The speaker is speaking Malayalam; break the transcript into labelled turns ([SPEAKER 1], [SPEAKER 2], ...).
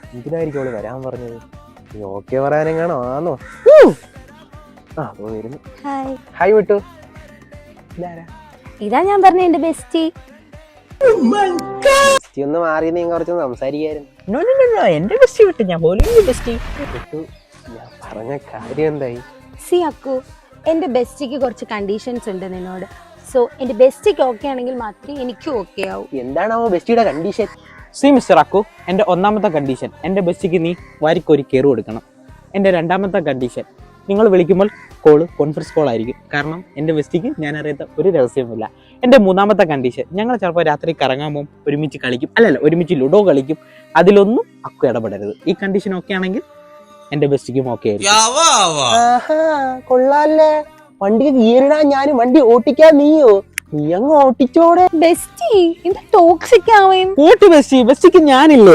[SPEAKER 1] എന്തിനായിരിക്കും അവള് വരാൻ പറഞ്ഞത്? നീ ഓക്കെ പറയാനെങ്ങാണോ ആന്നോ? ആ വരുന്നു. ഹായ് വിട്ടു. ഇതാരാ?
[SPEAKER 2] ഇതാ ഞാൻ പറഞ്ഞ എന്റെ ബെസ്റ്റി.
[SPEAKER 1] ബെസ്റ്റി ഒന്ന് മാറി നീ കുറച്ച് സംസാരിക്കായിരുന്നു.
[SPEAKER 3] എന്റെ ബെസ്റ്റി വിട്ടു, ഞാൻ പോലും ബെസ്റ്റി
[SPEAKER 1] വിട്ടു. ഞാൻ പറഞ്ഞ കാര്യം എന്തായി?
[SPEAKER 2] സി അക്കു, എന്റെ ബെസ്റ്റിക്ക് കുറച്ച് കണ്ടീഷൻസ് ഉണ്ട് നിന്നോട്. സോ എന്റെ ബെസ്റ്റിക്ക് ഓക്കെ ആണെങ്കിൽ മാത്രമേ എനിക്കും ഓക്കെ ആവൂ.
[SPEAKER 1] എന്താണാവോ ബെസ്റ്റിയുടെ കണ്ടീഷൻ?
[SPEAKER 3] സി മിസ്റ്റർ അക്കു, എൻ്റെ ഒന്നാമത്തെ കണ്ടീഷൻ എൻ്റെ ബെസ്റ്റിക്ക് നീ വാരിക്കൊരു കയറി കൊടുക്കണം. എൻ്റെ രണ്ടാമത്തെ കണ്ടീഷൻ, നിങ്ങൾ വിളിക്കുമ്പോൾ കോള് കോൺഫറൻസ് കോൾ ആയിരിക്കും. കാരണം എൻ്റെ ബെസ്റ്റിക്ക് ഞാൻ അറിയാത്ത ഒരു രഹസ്യമില്ല. എൻ്റെ മൂന്നാമത്തെ കണ്ടീഷൻ, ഞങ്ങൾ ചിലപ്പോൾ രാത്രി കറങ്ങാൻ പോകും, ഒരുമിച്ച് കളിക്കും, ഒരുമിച്ച് ലുഡോ കളിക്കും. അതിലൊന്നും അക്കു ഇടപെടരുത്. ഈ കണ്ടീഷൻ ഓക്കെ ആണെങ്കിൽ എൻ്റെ ബെസ്റ്റിക്കും ഓക്കെ ആയിരിക്കും.
[SPEAKER 1] കൊള്ളാല്ലേ, വണ്ടിക്ക് ഗിയറിടാൻ ഞാനും വണ്ടി ഓട്ടിക്കാൻ നീയോ? നീ അങ്ങ് ഓട്ടിച്ചോടെ.
[SPEAKER 2] ബെസ്റ്റി, ഇത് ടോക്സിക് ആവേം.
[SPEAKER 3] ബെസ്റ്റിക്ക് ഞാനില്ലേ?